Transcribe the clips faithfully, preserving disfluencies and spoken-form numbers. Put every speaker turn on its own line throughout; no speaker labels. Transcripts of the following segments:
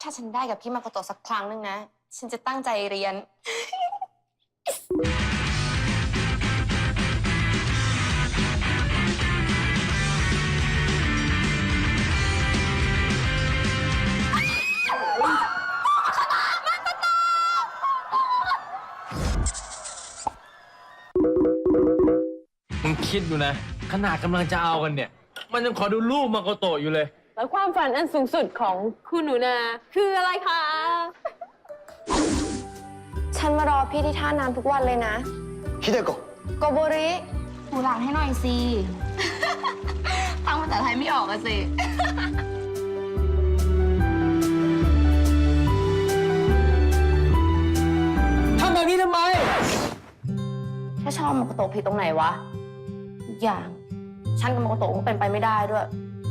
ถ้าฉันได้กับพี่มาโกโตะสักครั้งหนึ่งนะ ฉันจะตั้งใจเรียน
มึงคิดดูนะขนาดกำลังจะเอากันเนี่ยมันยังขอดูรูปมาโกโตะอยู่เลย
แล้วความฝันอันสูงสุดของคุณหนูนาคืออะไรคะ
ฉันมารอพี่ที่ท่าน้ำทุกวันเลยนะฮิเดโกะโกโบริหูหลังให้หน่อยสิ ฟังภาษาไทยไม่ออกอะสิ
ทำแบบนี้ทำไม
ถ้าชอบมาโกโตะผิดตรงไหนวะอีกอย่าง ฉันกับมาโกโตะก็เป็นไปไม่ได้ด้วย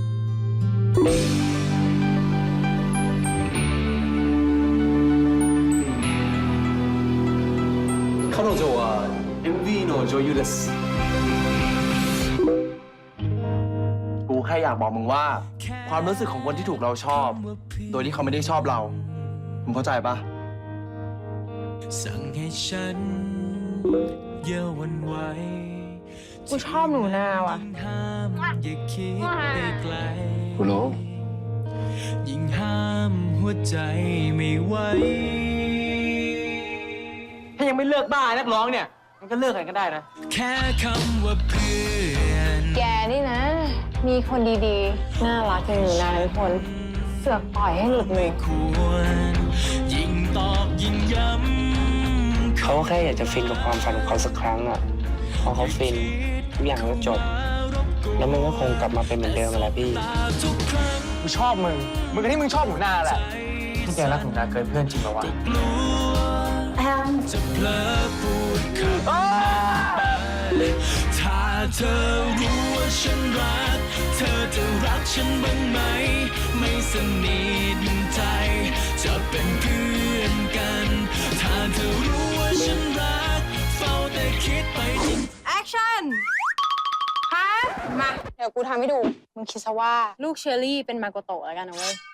彼女は เอ็ม วี の女優ですกูแค่อยากบอกมึงว่า ความรู้สึกของคนที่ถูกเราชอบ โดยที่เขาไม่ได้ชอบเรา มึงเข้าใจปะสั่งให้ฉันเย่าวันไหว
กูชอบหนูนาว่ะ
กูรู้ยิ่งห้ามหัวใจไม่ไหว
ถ้ายังไม่เลิกบ้านักร้องเนี่ยมันก็เลิกกันก็ได้นะ
แค่คำว่าเพื่อน
แกนี่นะ มีคนดีๆ น่ารักอย่างหนูนาทุกคน เสือกปล่อยให้หลุดมือ
ยิ่งตอบยิ่งย้ำ
เขาแค่อยากจะฟินกับความฝันของเขาสักครั้งอ่ะพอเขาฟินทุกอย่างก็จบแล้วมันก็คงกลับมาเป็นเหมือนเดิมแหละพี่
กูชอบมึงมึงกับที่มึงชอบหนูนาแหละที่แกรักหนูนาเกินเพื่อนจริงปะวะ
แอม
จะเพลอพูดคำถ้าเธอรู้ว่าฉันรักเธอจะรักฉันบ้างไหมไม่สนิทใจจะเป็นเพื่อนกันถ้าเธอรู้ว่าฉันรักเฝ้าแต่คิดไปจริง
แอคชั่นฮะมา เดี๋ยวกูทำให้ดู มึงคิดซะว่าลูกเชอรี่เป็นมาโกโตะแล้วกันนะเว้ย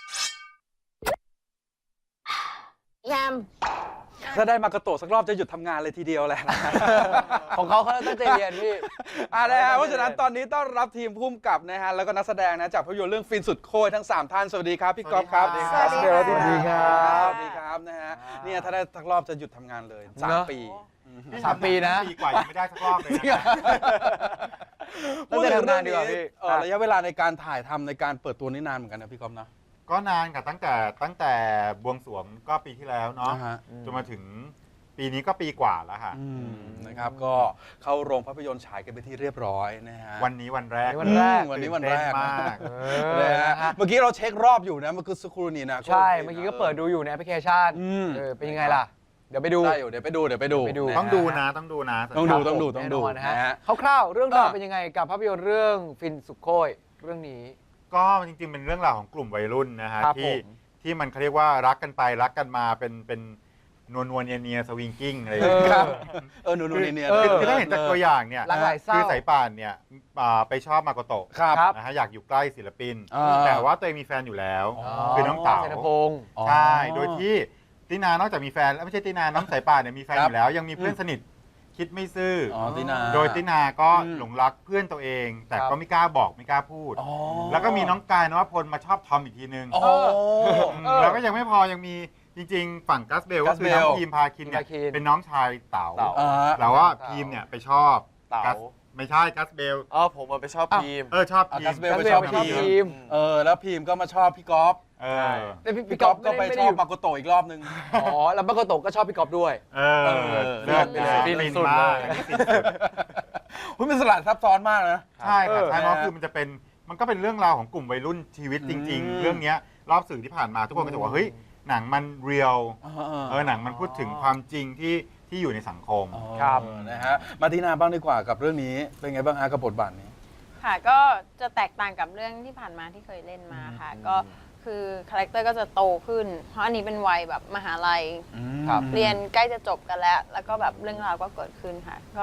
แยม
ถ้าได้มากระโตสักรอบจะหยุดทำงานเลยทีเดียวแหละ
ของเขาเขาตั้งใจเรียนพี่
อ่านะฮะเพราะฉะนั้นตอนนี้ต้อนรับทีมพุ่มกับนะฮะแล้วก็นักแสดงนะจากภาพยนตร์เรื่องฟินสุดโคตรทั้งสามท่านสวัสดีครับพี่ก๊อฟครับ
สวัสดีครับ
สวัสดีครับสวัสดีครับนะฮะเนี่ยถ้าได้สักรอบจะหยุดทำงานเลยสามปี
สามปีนะ
ปีกว่ายังไม่ได้สักรอบเลยนะ
พูดถึงเรื่องนี้ระยะเวลาในการถ่ายทำในการเปิดตัวนี่นานเหมือนกันนะพี่ก๊อฟนะ
ก็นานค่ะตั้งแต่ตั้งแต่บวงสรวงก็ปีที่แล้วเนาะจนมาถึงปีนี้ก็ปีกว่าแล้วค่ะ
นะครับก็เข้าโรงภาพยนตร์ฉายกันไปที่เรียบร้อยนะฮะ
วันนี้วันแรก
วันแรกวันนี้วันแรกมากเลยฮะเมื่อกี้เราเช็ครอบอยู่นะเมื่อกี้สักครู่นี้นะ
ใช่เมื่อกี้ก็เปิดดูอยู่ในแอปพลิเคชันเป็นยังไงล่ะเดี๋ยวไปดู
ได้อยู่เดี๋ยวไปดูเดี๋ยวไปดู
ต้องดูนะต้องดูนะ
ต้องดูต้องดูต้องดู
นะฮะคร่าวๆเรื่องราวเป็นยังไงกับภาพยนตร์เรื่องฟินสุดโคตรเรื่องนี้
ก็จริงๆเป็นเรื่องราวของกลุ่มวัยรุ่นนะฮะที่ที่มันเขาเรียกว่ารักกันไปรักกันมาเป็นเป็นนวลนวลเนียเนียสวิงกิ้งอะไรอย่างเงี้ย
เออนวลนวลเนียเนีย
คือถ้าเห็นจากตัวอย่างเนี่ยคือสายป่านเนี่ยไปชอบมาโกโตะนะฮะอยากอยู่ใกล้ศิลปินแต่ว่าตัวเองมีแฟนอยู่แล้วคือน้องเต๋าใช่โดยที่ตินานอกจากมีแฟนแล้วไม่ใช่ตินาน้องสายป่านเนี่ยมีแฟนอยู่แล้วยังมีเพื่อนสนิทคิดไม่ซื่อโดยตินาก็หลงรักเพื่อนตัวเอง แต่ก็ไม่กล้าบอกไม่กล้าพูดแล้วก็มีน้องกายนวพลมาชอบทอมอีกทีนึงแล้วก็ยังไม่พอยังมีจริงๆฝั่งกัสเบลก็คือน้องพีมพาคินเนี่ยเป็นน้องชายเต๋าแล้วว่าพีมเนี่ยไปชอบเต๋าไม่ใช่กัสเบล
อ๋อผมไปชอบพีม
เออชอบพีม
กัสเบลไปชอบพีมเออแล้วพีมก็มาชอบพี่ก๊อฟ
เออ
แต่พี่ก๊อฟก็ไปชอบมาโกโตะอีกรอบนึง
อ๋อแล้วมาโกโตะก็ชอบพี่ก๊อฟด้วย
เออเลือดฟินสุดเลย
คุณเป็นสลัดซับซ้อนมากนะ
ใช่ค่ะใช่เพราะคือมันจะเป็นมันก็เป็นเรื่องราวของกลุ่มวัยรุ่นชีวิตจริงๆเรื่องนี้รอบสื่อที่ผ่านมาทุกคนก็จะบอกว่าเฮ้ยหนังมันเรียลเออหนังมันพูดถึงความจริงที่ที่อยู่ในสังคม
ครับนะฮะมาทีนาบ้างดีกว่ากับเรื่องนี้เป็นไงบ้างฮะกับบทบาทนี้
ค่ะก็จะแตกต่างกับเรื่องที่ผ่านมาที่เคยเล่นมาค่ะก็คือคาแรคเตอร์ก็จะโตขึ้นเพราะอันนี้เป็นวัยแบบมหาลัยเรียนใกล้จะจบกันแล้วแล้วก็แบบเรื่องราวก็เกิดขึ้นค่ะก็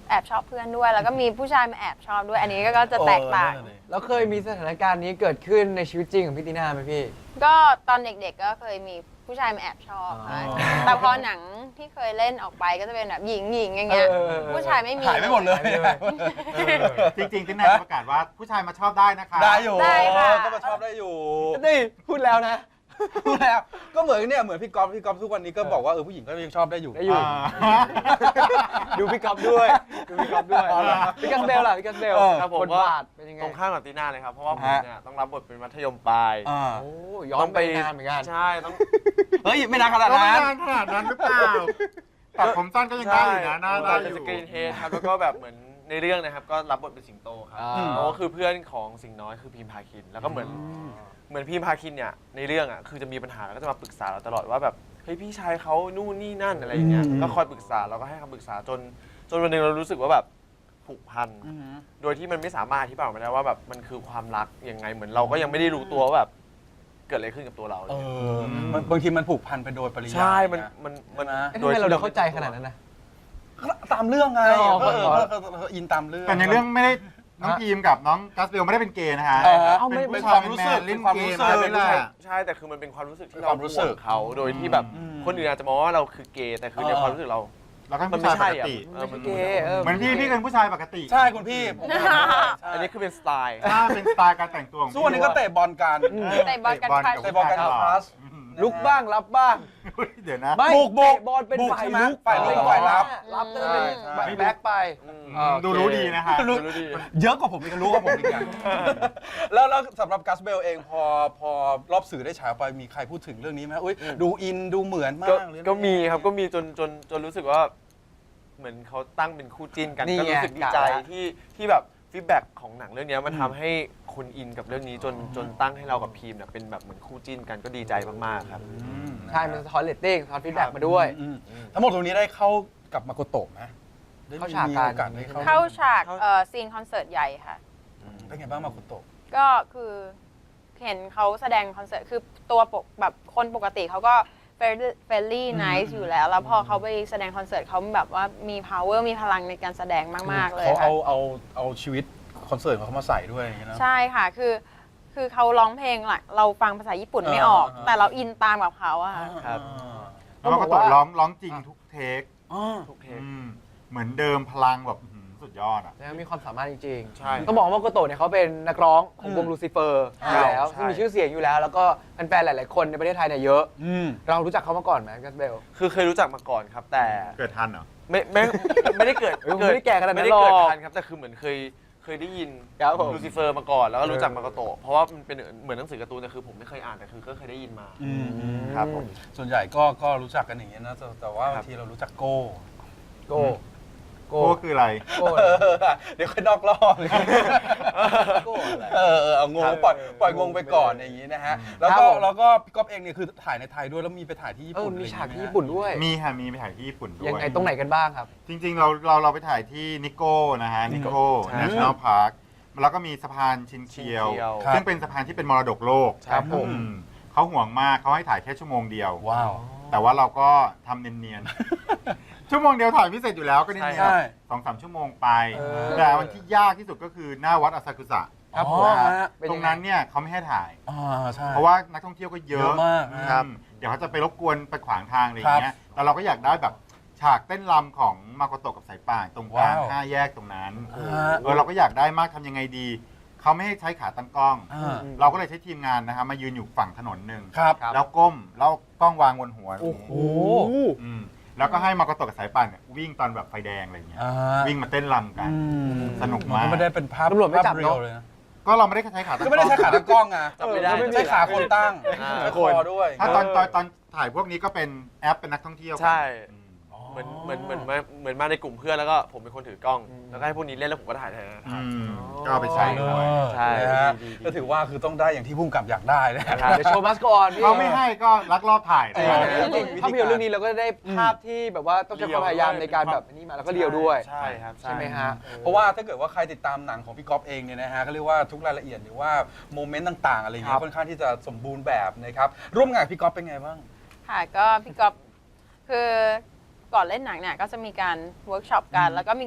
แอบชอบเพื่อนด้วย แล้วก็มีผู้ชายมาแอบชอบด้วย อันนี้ก็จะแตกต่าง
แล้วเคยมีสถานการณ์นี้เกิดขึ้นในชีวิตจริงของพี่ตินาไหมพี่
ก็ตอนเด็กๆก็เคยมีผู้ชายมาแอบชอบค่ะแต่พอหนังที่เคยเล่นออกไปก็จะเป็นแบบหญิงหญิงอย่างเงี้ย
เออเออเออ
ผู้ชายไม่มี
หายไปหมดเลย
จริงๆที่นายประกาศว่าผู้ชายมาชอบได้นะคะ
ได้อยู่
ได้ค่ะ
ก็มาชอบได้อยู่
นี่พูดแล้วนะ
รู้แล้วก็เหมือนเนี่ยเหมือนพี่ก๊อฟพี่ก๊อฟทุกวันนี้ก็บอกว่าเออผู้หญิงก็ยังชอบได้อยู่
ได้อยู่
อ่า
ดูพี่ก๊อฟด้วย ดูพี่ก๊อฟด้วย
อ๋อเหรอ
พี่กัสเบลล่ะพี่กัสเบล
เออ
ครับผม
บท
ก็
บาทเป็นยังไง
ตรงข้ามกับตีน่าเลยครับ เพราะว่าผม
ฮะ
เนี่ยต้องรับบทเป็นมัธยมปลาย
อ่า
โอ้ย้อนไปนานเหมือนกัน
ใช่ต้อง
เฮ้ยไม่นานขนาด
ก็ไม่
นั้น
นานขนาดนั้นหรือเปล่าตัดผมสั้นก็ยังได้อยู่นะหน้าได้
เป็น
อ
ส
ยู่
กรีนเฮดครับแล้วก็แบบเหมือนในเรื่องนะครับก็รับบทเป็นสิงโตครับ
อ่า
เพราะว่าคือเพื่อนของสิงห์น้อยคือพีมพาคิน แล้วก็เหมือนเหมือนพีมพาคินเนี่ยในเรื่องอ่ะคือจะมีปัญหาแล้วก็จะมาปรึกษาเราตลอดว่าแบบเฮ้ยพี่ชายเขานู่นนี่นั่นอะไรอย่างเงี้ย
อืม
ก็คอยปรึกษาเราก็ให้คำปรึกษาจนจนวันหนึ่งเรารู้สึกว่าแบบผูกพัน
อือหือ
โดยที่มันไม่สามารถอธิบายออกมาได้ว่าแบบมันคือความรักยังไงเหมือนเราก็ยังไม่ได้รู้ตัวว่าแบบเกิดอะไรขึ้นกับตัวเรา
เออมันบางทีมันผูกพันไปโดยปริยาย
ใช่มัน
ะ
มันมัน
นะ
เอ๊ะทำไมเราเดาเข้าใจขนาดนั้นนะ
ตามเรื่องไง
อ๋อ
เออ
ขอ
เออเออเอออินตามเรื่อง
แต่ในเรื่องไม่ได้น้องพีมกับน้องกัสเบลไม่ได้เป็นเกย์นะฮะ
เออ
เอาไม่
เป็น
เป็น
ผู้
ค
ชา
วาย มรู้สึก
แมนๆเล่น
ความ
เก
รู้
ม
สึ
อะไร
ก
นี่แหละ
ใช่แต่คือมันเป็นความรู้สึกที่
เป็น
เรา
ความรู้สึก
ห่วงเขาโดยที่แบบ
อืม
คนอื่นอาจจะมองว่าเราคือเกย์แต่คือใน
เออ
ความรู้สึกเรา
แล้วก็
มั
ผู้
นไม่
ชายป
ใช่
ก
อะ
ติ
เออมัน
เกย์เออ
เหมือนพี่พี่เป็นผู้ชายปกติ
ใช่คุณพี่ผมก็เป็นใช่
อันนี้คือเป็นสไตล์
ถ้าเป็นสไตล์การแต่งตัวของพี่
ส่วนนี้ก็เตะบอลกัน
เตะบอลกัน
เตะบอล
ใคร
เตะบอลกันพาส
ลุกบ้างรับบ้าง
เดี๋ยวนะ
ไม่
บุกบุก
เตะบอลเป็น
บุก
ฝ่าย
ใช่ไหม
ลุก
ฝ่ายลุกกับฝ่ายรับ
รับก็จะเป็น
ใช่ใช่
แบ็คไป
อืมดูรู้ดีนะฮะ
รู้
รู้ดี
เยอะกว่าผมอีกรู้กว่าผมอีกอย่างแล้วแล้วสำหรับกัสเบลเองพอพอรอบสื่อได้ฉายออกไปมีใครพูดถึงเรื่องนี้ไหมอุ้ยดูอินดูเหมือนมา
ก็
กหรือ
ก็มีครับก็มีจนจนจนรู้สึกว่า เหมือนเขาตั้งเป็นคู่จิ้นกัน
นี่
ก็
ไง
รู้สึกดีใจ
กะละ
ที่ที่แบบฟีดแบ็กของหนังเรื่องนี้มันทำให้คนอินกับเรื่องนี้จนจนตั้งให้เรากับพีมเนี่ยเป็นแบบเหมือนคู่จิ้นกันก็ดีใจมากๆครับ
อืม
ใช่ มันสะท้อนเรตติ้งสะท้อนฟีดแบ็กมาด้วย
อืมทั้งหมดตรงนี้ได้เข้ากับมาโกโตะไหมได้
เข้าฉาก
มี
กัน
โอกาสได้เข้า
เข้าฉากเอ่อซีนคอนเสิร์ตใหญ่ค่ะ
เป็นไงบ้างมาโกโตะ
ก็คือเห็นเขาแสดงคอนเสิร์ตคือตัวปกแบบคนปกติเขาก็เฟรนลี่ไนซ์อยู่แล้ว แล้วพอเขาไปแสดงคอนเสิร์ตเขาแบบว่ามี power มีพลังในการแสดงมาก ๆ เลย
เขา
ค่ะ
เอาเอาเอาชีวิตคอนเสิร์ตของเขามาใส่ด้วยอย่างเงี้ยนะ
ใช่ค่ะ คือ คือเขาร้องเพลงแหละเราฟังภาษาญี่ปุ่นไม่ออก
อ่า
แต่เราอินตามกับเขาอะค่ะ
ครับ
แล้วก็ตกร้องร้องจริงทุกเทค
อ๋อ
ทุกเทป
อืมเหมือนเดิมพลังแบบอื้อหือสุดยอดอ่ะ
แล้วมีความสามารถจริง
ใช่
ๆต้องบอกว่าโกโตะเนี่ยเขาเป็นนักร้องของวงลูซิเฟอร์อยู่แล้ว
ใช่
ซึ่งมีชื่อเสียงอยู่แล้ว แล้วก็แฟนๆหลาย ๆ คนในประเทศไทยเนี่ยเยอะ
อืม
เรารู้จักเขามาก่อนไหมกัสเบล
คือเคยรู้จักมาก่อนครับ แต่
เกิดทันเหรอ
ไม่ไม่ไม่ได้เกิด
เออไม่ได้แก่ขนาดนั้น
ไม่ได้เกิด
หรอก
ทันครับแต่คือเหมือนเคยเคยได้ยิน
ครับผม
ลูซิเฟอร์มาก่อนแล้วก็รู้จักมาโกโตะเพราะว่ามันเป็นเหมือนหนังสือการ์ตูนแต่คือผมไม่เคยอ่านแต่คือก็เคยได้ยินมา
อืมอืม
ครับผม
ส่วนใหญ่ก็ก็รู้จักกันอย่างเงี้ยนะแต่แต่ว่า
ครับ
บางทีเรารู้จักโก้
โก้โก้
โก้คืออะไร
โก้
เออเดี๋ยวค่อยนอกรอบเลย
โก้อะไร
เออเออเอางงปล่อยปล่อยงงไปก่อนอย่างงี้นะฮะแล้วก็
ครับผม
แล้วก็พี่ก๊อฟเองเนี่ยคือถ่ายในไทยด้วยแล้วมีไปถ่ายที่ญี่
เออ
ปุ่น
มีฉากที่
อะไร
ญี่ปุ่นด้วย
มีค่ะมีไปถ่ายที่ญี่ปุ่นด้วย
ยังไงตรงไหนกันบ้างครับ
จริงๆ เราเราเราไปถ่ายที่นิโก้นะฮะนิโก้
ใช่
National Park แล้วก็มีสะพานชินเคียว
ชินเคียว
ซึ่งเป็นสะพานที่เป็นมรดกโลก
ครับผม
อืเขาห่วงมากเขาให้ถ่ายแค่ชั่วโมงเดียว
ว้าว
แต่ว่าเราก็ทำเนียนๆ ชั่วโมงเดียวถ่ายไม่เสร็จอยู่แล้วก็เนียน
ใช่
ๆสองสามชั่วโมงไป
เออ
แต่วันที่ยากที่สุดก็คือหน้าวัดอาซากุสะ
ครับ
อ๋
ผม
อฮะ
เป็น
ตร
ยัง
ง
ไง
นั้นเนี่ยเขาไม่ให้ถ่าย
อ่าใช่
เพราะว่านักท่องเที่ยวก็เย
เย
อะ
อะมาก
อื
ครับ
มเดี๋ยวเขาจะไปรบกวนไปขวางทางอะไรอย่างเงี้ยแต่เราก็อยากได้แบบฉากเต้นรำของมาโกโตะกับสายป่านตรงกลาง
ว้าว
ห้าแยกตรงนั้น
อ่า
เออเราก็อยากได้มากทำยังไงดี เขาไม่ให้ใช้ขาตั้งกล้อง
อ่า
เราก็เลยใช้ทีมงานนะครับมายืนอยู่ฝั่งถนนหนึ่ง
ครับ
แล้วก้มแล้วกล้องวางบนหัว
โอ้โห
อืมแล้วก็ให้มาโกโตะกับสายป่านเนี่ยวิ่งตอนแบบไฟแดงอะไรอย่างเงี้ย
อ่า
วิ่งมาเต้นรำกัน
อืม
สนุกมาก
นไม่ได้เป็นภาพ
ตำรวจไม่จับ
ภาพ
เนอะ
เรียวเลยนะ
ก็เราไม่ได้ใช้ขาตั้งกล้อง
ก็ไม่ได้ใช้ขาตั้งกล้องไง
จับไม่ได้
เออ
ใช้ขาคนตั้ง
อ่า
ใช้คอด้วย
ถ้าตอนตอนตอนถ่ายพวกนี้ก็เป็นแอปเป็นนักท่องเที่ยวกัน
ใช่
อืม
เหมือนเหมือนเหมือนมาเหมือนมาในกลุ่มเพื่อนแล้วก็ผมเป็นคนถือกล้อง แล้วก็ให้พวกนี้เล่นแล้วผมก็ถ่ายแทน
อืมก็เอาไปใช้ด้วย
ใช่
นะฮะ
ดีๆๆ
ก็ถือว่าคือต้องได้อย่างที่พุ่มกับอยากได้นะ
ครับ
เดี๋ยวโชว์มัสก่อนพี่
เขาไม่ให้ก็ลักลอบถ่าย
เอ
นะ
อ
จริงๆภาพยนตร์เรื่องนี้เราก็ได้ภาพที่แบบว่าต้องใช้ความพยายามในการแบบนี้มาแล้วก็เรียวด้วย
ใช่ครับ
ใช่ไหมฮะ
เพราะว่าถ้าเกิดว่าใครติดตามหนังของพี่ก๊อฟเองเนี่ยนะฮะก็เรียกว่าทุกรายละเอียดหรือว่าโมเมนต์ต่างๆอะไรอย่างเงี้
ครั
ย
บ
ค่อนข้างที่จะสมบูรณ์แบบนะครับร่วมงานกับพี่ก๊อฟเป็นไงบ้าง
ค่ะก็พี่ก๊อฟคือก่อนเล่นหนังเนี่ยก็จะมีการเวิร์กช็อปกัน แล้วก็มีการ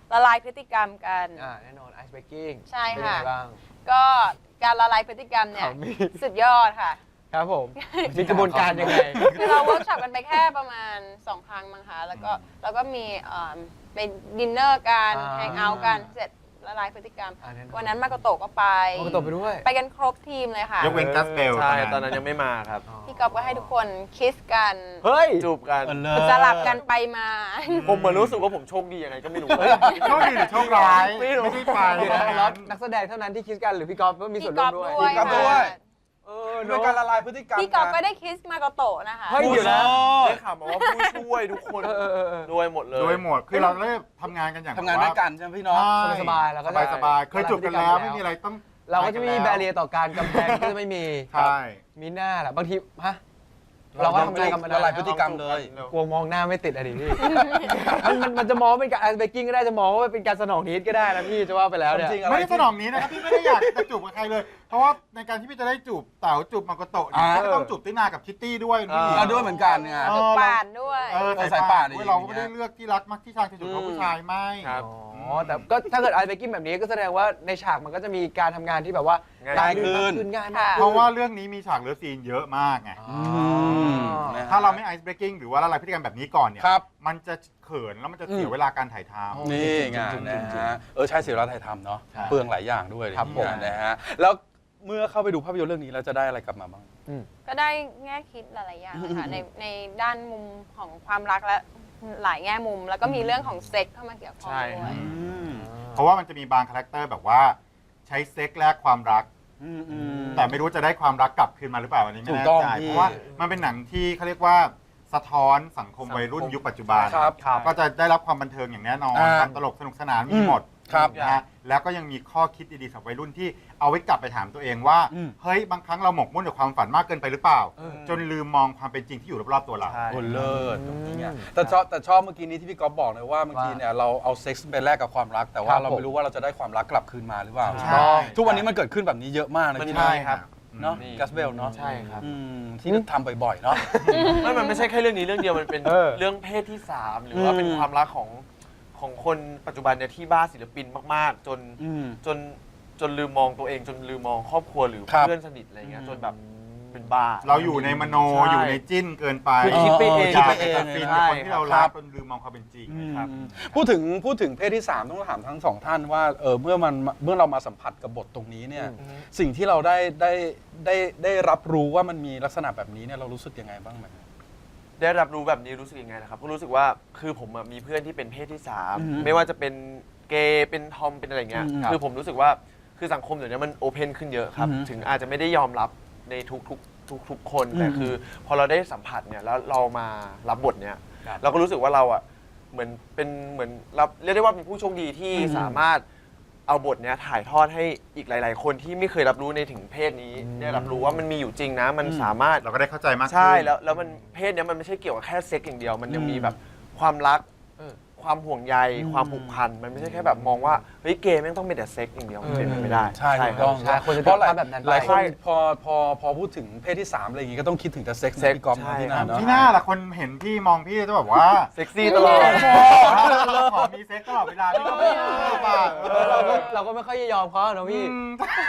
ละลายพฤติกรรมกัน
อ่าแน่นอนไอซ์เบกกิ้ง
ใช่ค่ะ
เป็นยังไงบ้าง
ก็การละลายพฤติกรรมเนี่ย
เขามี
สุดยอดค่ะ
ครับผม มีกระบวนการยังไง
คือเราเวิร์กช็อปกันไปแค่ประมาณสองครั้งมั้งคะแล้วก็แล้วก็มีเอ่อไปดินเนอร์กัน
อ่า
แฮงเอาท์กันเสร็จละลายพฤติกรรม
อ่าแน่นอน
วันนั้นมาโกโตะก็ไป
มาโกโตะไปด้วย
ไปกันครบทีมเลยค่ะ
ยกเว้นกัสเบล
ใช่ตอนนั้นยังไม่มาครับ
พี่ก๊อฟก็ให้ทุกคนคิสกัน
เฮ้ย
จูบกัน
สลับกันไปมา
ผมเหมือนรู้สึกว่าผมโชคดียังไงก็ไม่รู้
โชคดีหรือโชคร้าย
ไม่รู้
ไม่ได้ไป
เดี๋ยวนะแล้วนักแสดงเท่านั้นที่คิดกันหรือพี่กอล์ฟก็มีส่วนร่วมด้วย
พี่ก๊อฟด้วย
เออ
เป็นการละลายพฤติกรรม
พี่ก๊อฟก็
นะ
ได้คิสมาโกโตะนะคะ
เฮ้ยเดี๋ยวนะ
ได้ข่าวมาว่าผู้ช่วยทุกคน
เออเออเออเออ
ด้วยหมดเลย
โดยหมด คือเราได้ทำงานกันอย่าง
ทำงานด้วยกันใช่ไหมพี่น้อง
ใช่
สบายๆแล้วก็
ส
ได้
บายสบายๆเคยจูบกันแล้วไม่มีอะไรต้อง
เราก็จะไม่มีแบเรียต่อการกำแพงก็จะไม่มี
ใช่
มีหน้าแหละบางทีฮะเราก็ทำงานกันมา
ละลายพฤติกรรมเลย
กลัวมองหน้าไม่ติดอะดิพี่ มันมันมันจะมองว่าเป็นการไอซ์เบกกิ้งก็ได้จะมองว่าเป็นการสนองนิดก็ได้นะพี่จะว่าไปแล้วเนี่ย
จริงๆ
ไม่ได้สนองนี้นะครับพี่ไม่ได้อยากจะจูบกับใครเลย เพราะว่าในการที่พี่จะได้จูบเต๋าจูบมาโกโตะเนี่ย
อ่า
ก็ต้องจูบตินากับคิตตี้ด้วยพี่
อ่าด้วยเหมือนกันไง
เอ
จุ
อ
ดปาดด้วย
เออ
เออ
สายป่าน
สายป่าน
ด้วยเราก็ไม่ได้เลือกที่รักมักที่ชายจะจูบเขาผู้ชายไม่
ครับ
อ๋อแต่ก็ถ้าเกิดไอซ์เบกกิ้งแบบนี้ก็แสดงว่าในฉากมันก็จะมีการทำงานที่แบบว่า
ง่าย
ขึ้น
ขึ้นง่ายมาก
เพราะว่าเรื่องนี้มีฉากเลิฟซีนเยอะมากไง
อ๋อ
นะฮะ
ถ้าเราไม่ไอซ์เบรกกิ้งหรือว่าละลายพฤติกรรมแบบนี้ก่อนเนี่ย
ครับ
มันจะเขินแล้วมันจะเสียเวลาการถ่ายทำ
นี่ไงนะฮะเออใช่เสียเวลาถ่ายทำเนาะ
ใช่
เปลืองหลายอย่างด้วย
ครับผม
นะฮะแล้วเมื่อเข้าไปดูภาพยนตร์เรื่องนี้เราจะได้อะไรกลับมาบ้าง
ก็ได้แง่คิดหลายๆอย่างค่ะในในด้านมุมของความรักและหลายแง่มุม แล้วก็มีเรื่องของเซ็กเข้ามาเกี่ยวข้อง
ใช่
ด้วย
เพราะว่ามันจะมีบางคาแรคเตอร์แบบว่าใช้เซ็กแลกความรัก
อืมอืม
แต่ไม่รู้จะได้ความรักกลับคืนมาหรือเปล่าอันนี้ไม่
ถูก
แน่
ต้อง
ใจ
พี่
เพราะว่ามันเป็นหนังที่เขาเรียกว่าสะท้อนสังคมวัยรุ่นยุคปัจจุบัน
ครับ
ก็จะได้รับความบันเทิงอย่างแน่นอน
อ่า
ความตลกสนุกสนานมีหมด
ครับ
นะฮะแล้วก็ยังมีข้อคิดดีๆสำหรับวัยรุ่นที่เอาไว้กลับไปถามตัวเองว่า
อืม
เฮ้ยบางครั้งเราหมกมุ่นกับความฝันมากเกินไปหรือเปล่า จนลืมมองความเป็นจริงที่อยู่รอบๆตัวเรา
ใช่
โอ้เลิศตรงนี้ไงแต่ชอบแต่ชอบเมื่อกี้นี้ที่พี่ก๊อฟบอกเลยว่าบางทีเนี่ยเราเอาเซ็กซ์ไปแลกกับความรัก แต่ว่า
ครับ
เรา
ผม
ไม่รู้ว่าเราจะได้ความรักกลับคืนมาหรือเปล่า
ใช่
ทุกวันนี้มันเกิดขึ้นแบบนี้เยอะมากนะ
มัน
พี่
ใช่
นะครับ เนาะ
นี่
กัสเบลเนาะ
ใช่ครับ
อืมที่ทำบ่อยๆเนาะ
ไม่มันไม่ใช่แค่เรื่องนี้เรื่องเดียวมันเป็น
เออ
เรื่องเพศที่สามหรือว่าเป็นความรักของของคนปัจจุบันเนี่ยที่บ้าศิลปินมากๆ จน
อืม
จนจนลืมมองตัวเอง จนลืมมองครอบครัวหรือ
ครับ
เพื่อนสนิทอะไรเงี้ย
อืม
จนแบบเป็นบ้า
เราอยู่ในมโน
ใช่
อยู่ในจิ้นเกินไป
คือคิดไปเอง
คิดไป
คิดไปเอง
เองฟินกับคนที่เรา
ครั
รัก
บ
จนลืมมองความเป็นจริง
อืม
ครับ
พูดถึงพูดถึงเพศที่สามต้องถามทั้งสองท่านว่าเออเมื่อมันเมื่อเรามาสัมผัสกับบทตรงนี้เนี่ย
อืม
สิ่งที่เราได้ได้ได้ได้รับรู้ว่ามันมีลักษณะแบบนี้เนี่ยเรารู้สึกยังไงบ้างไหม
ได้รับรู้แบบนี้รู้สึกยังไงนะครับก็รู้สึกว่าคือผมอะมีเพื่อนที่เป็นเพศที่สาม
อืม
ไม่ว่าจะเป็นเกย์เป็นทอมเป็นอะไรเงี้ย
อืม
คือผมรู้สึกว่าคือสังคมเดี๋ยวนี้มันโอเพนขึ้นเยอะครับ
อืม
ถึงอาจจะไม่ได้ยอมรับในทุกทุกทุกทุกๆคน
อืม
แต่คือพอเราได้สัมผัสเนี่ยแล้วเรามารับบทเนี่ย
ครับ
เราก็รู้สึกว่าเราอ่ะเหมือนเป็นเหมือนรับเรียกได้ว่าเป็นผู้โชคดีที่
อืม
สามารถเอาบทเนี้ยถ่ายทอดให้อีกหลาย ๆ คนที่ไม่เคยรับรู้ในถึงเพศนี้ได้รับรู้ว่ามันมีอยู่จริงนะมันสามารถ
เราก็ได้เข้าใจมากขึ้น
ใช่แล้วแล้วมันเพศเนี้ยมันไม่ใช่เกี่ยวกับแค่เซ็กอย่างเดียว มันยังมีแบบความรัก
เออ
ความห่วงใย
อืม
ความผูกพันมันไม่ใช่แค่แบบมองว่าเฮ้ยเกย์แม่งต้องเป็นแต่เซ็กอย่างเดียวมันเป็นไปไม่ได้
ใช่ถูก
ครั
ต้
บ
อง
ใช่คนจะ
เพราะหลาย
คิดภาพแบบนั้นไป
หลายคน
ใช่
พอพอพอพูดถึงเพศที่สามอะไรอย่างงี้ก็ต้องคิดถึงแต่เซ็กซ์
เซ็กซ์
พี่ก๊อฟ
ใช่
ที่นาเนาะ
ที่หน้าล่ะคนเห็นพี่มองพี่จะแบบว่า
เซ็กซี่ตลอด
ขอมีเซ็กตลอดเวลาพี่ก็ไม่ชอบอ่ะ
เออเราก็เราก็ไม่ค่อยจะยอมเขาอะเนอะพี่
อืม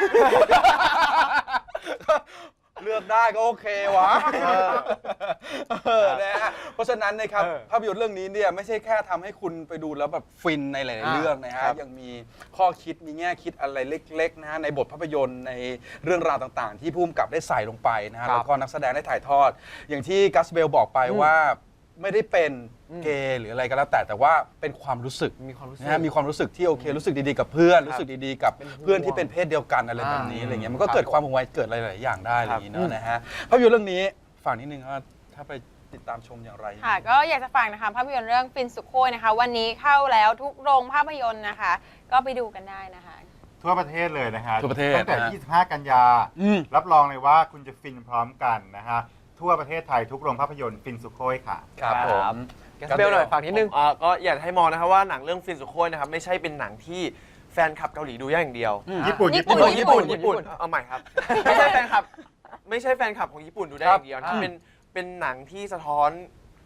เลือกได้ก็โอเควะเออนะฮะเพราะฉะนั้นนะครับ
เออ
ภาพยนตร์เรื่องนี้เนี่ยไม่ใช่แค่ทำให้คุณไปดูแล้วแบบฟินในหลาย ๆ
อ่า
เรื่องนะฮะ
ครับ
ยังมีข้อคิดมีแง่คิดอะไรเล็ก ๆ นะฮะในบทภาพยนตร์ในเรื่องราวต่าง ๆ ที่ผู้กำกับได้ใส่ลงไปนะฮะ
ครับ
แล้วก็นักแสดงได้ถ่ายทอด อย่างที่กัสเบลบอกไปว่าไม่ได้เป็นเกย์หรืออะไรก็แล้วแต่แต่ว่าเป็นความรู้สึก
มีความรู้สึก
นะฮะมีความรู้สึกที่โอเค รู้สึกดีๆกับเพื่อน รู้สึกดีๆกับ
เป็นห่วง
เพื่อนที่เป็นเพศเดียวกันอะไรแบบนี้
อ่า
อะไรเงี้ยมันก็
ครับ
เกิดความห่วงใยเกิดอะไรหลายอย่างได้อะไรอย่างนี้
ครับ
เนาะนะฮะภาพยนตร์เรื่องนี้ฝากนิดนึงว่าถ้าไปติดตามชมอย่างไร
ค่ะก็อยากจะฝากนะคะภาพยนตร์เรื่องฟินสุโคยนะคะ วันนี้เข้าแล้วทุกโรงภาพยนตร์นะคะ ก็ไปดูกันได้นะคะ
ทั่วประเทศเลยนะฮะ
ทั่วประเทศ
ตั้งแต่
นะฮะ
ยี่สิบห้า กันยา
อืม
รับรองเลยว่าคุณจะฟินพร้อมกันนะฮะ ทั่วประเทศไทยทุกโรงภาพยนตร์ฟินสุโขยค่ะ
ครับผม
แกสเบลหน่อยฝากนิดนึง
อ่าก็อยากให้มองนะครับว่าหนังเรื่องฟินสุโขยนะครับไม่ใช่เป็นหนังที่แฟนคลับเกาหลีดูอย่างเดียว
ญี่ปุ่น
ญี่
ญี่
ปุ่
ปุ่น
น
ญี่ปุ่นญี่ปุ่นเอาใหม่ครับ ไม่ใช่แฟนคลับไม่ใช่แฟนคลับของญี่ปุ่นดูได้อย่างเดียว
ครับ
นะเป็นเป็นหนังที่สะท้อน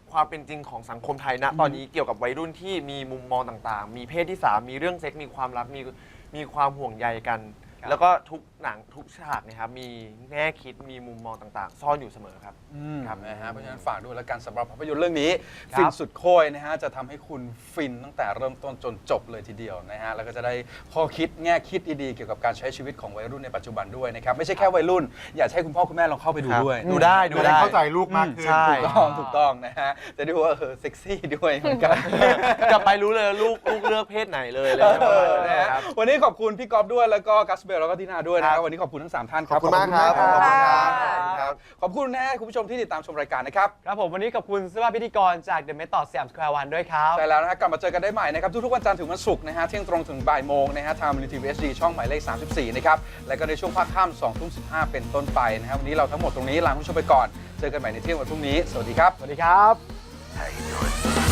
ความเป็นจริงของสังคมไทยณตอนนี้เกี่ยวกับวัยรุ่นที่มีมุมมองต่างๆ มีเพศที่สามมีเรื่องเซ็กส์มีความรักมีมีความห่วงใยกัน แล้วก็ทุกหนังทุกฉากนะครับมีแง่คิดมีมุมมองต่างๆ ซ่อนอยู่เสมอครับ
ครับนะฮะเพราะฉะนั้นฝากด้วยแล้วกันสำหรับภาพยนตร์เรื่องนี้
ครับ
ฟินสุดโคยนะฮะจะทำให้คุณฟินตั้งแต่เริ่มต้นจนจบเลยทีเดียวนะฮะแล้วก็จะได้ข้อคิดแง่คิดดีๆเกี่ยวกับการใช้ชีวิตของวัยรุ่นในปัจจุบันด้วยนะครับไม่ใช่แค่วัยรุ่นอยากให้คุณพ่อคุณแม่ลองเข้าไปดู
ครับ
ด้วย
ดูได้ดู
จะ
ได้
ได้เข้าใจลูกมากขึ้น
ใช่
ถูกต้องถูกต้องนะฮะจะได้รู้ว่าเออเซ็กซี่ด้วยเหมือนกัน
กลับไปรู้เลยลูกลูกเลือกเพศไหนเลยเลย
เออนะฮะ
ครับ
วันนี้ขอบคุณพี่ก๊อฟด้วยแล้วก็กัสเบลแล้วก็ทีน่าด้วยนะครับวันนี้ขอบคุณทั้งสามท่านครับ
ขอบคุณมากครับ
ขอบคุณมาก
ขอบคุณ
ค
ครั
รับบ ขอบคุณนะฮะคุณผู้ชมที่ติดตามชมรายการนะครับ
ครับผมวันนี้ขอบคุณเสื้อผ้าพิธีกรจาก The Method สยามสแควร์วันด้วยครับ
ใช่แล้วนะฮะกลับมาเจอกันได้ใหม่นะครับทุกๆวันจันทร์ถึงวันศุกร์นะฮะเที่ยงตรงถึงบ่ายโมงนะฮะทางมูลนิธิ เอส ดี ช่องหมายเลขสามสิบสี่นะครับแล้วก็ในช่วงภาคค่ำสองทุ่มสิบห้าเป็นต้นไปนะครับวันนี้เราทั้งหมดตรงนี้ลาคุณผู้ชมไปก่อนเจอกันใหม่ในเที่ยงวันพรุ่งนี้สวัสดีครับ
สวัสดีครับ